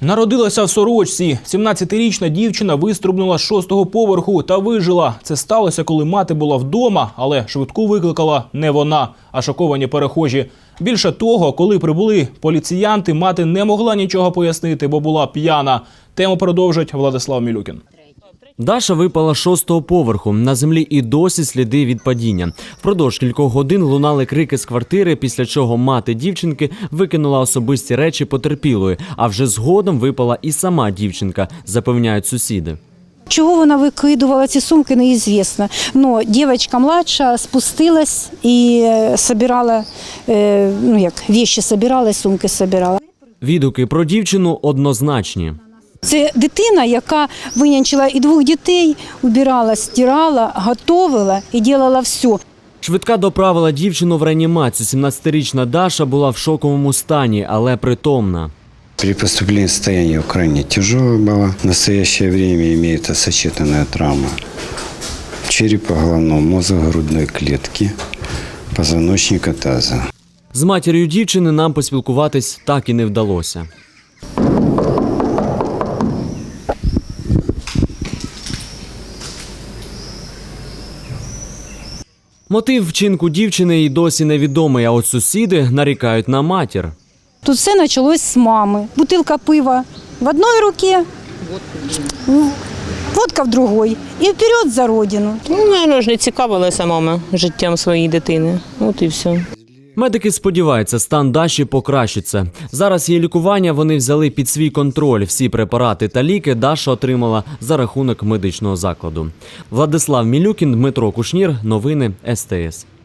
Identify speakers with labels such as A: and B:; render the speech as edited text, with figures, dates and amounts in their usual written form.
A: Народилася в сорочці. 17-річна дівчина вистрибнула з 6-го поверху та вижила. Це сталося, коли мати була вдома, але швидку викликала не вона, а шоковані перехожі. Більше того, коли прибули поліціянти, мати не могла нічого пояснити, бо була п'яна. Тему продовжить Владислав Мілюкін.
B: Даша випала з 6-го поверху. На землі і досі сліди від падіння. Впродовж кількох годин лунали крики з квартири, після чого мати дівчинки викинула особисті речі потерпілої. А вже згодом випала і сама дівчинка, запевняють сусіди.
C: Чого вона викидувала ці сумки, неізвісно. Но дівчинка младша спустилась і збирала, речі збирала, сумки збирала.
B: Відгуки про дівчину однозначні.
C: Це дитина, яка винянчила і 2 дітей, убирала, стирала, готувала і робила все.
B: Швидка доправила дівчину в реанімацію. 17-річна Даша була в шоковому стані, але притомна.
D: При поступлении состояние крайне тяжелое было. В настоящее время имеется сочетанная травма черепа, головного мозга, грудной клетки, позвоночника таза.
B: З матір'ю дівчини нам поспілкуватись так і не вдалося. Мотив вчинку дівчини й досі невідомий, а от сусіди нарікають на матір.
C: Тут все почалось з мами. Бутилка пива в одній руці, водка в другій. І вперед за родину.
E: Мабуть, не цікавилася мама життям своєї дитини. От і все.
B: Медики сподіваються, стан Даші покращиться. Зараз її лікування вони взяли під свій контроль. Всі препарати та ліки Даша отримала за рахунок медичного закладу. Владислав Мілюкін, Дмитро Кушнір. Новини СТС.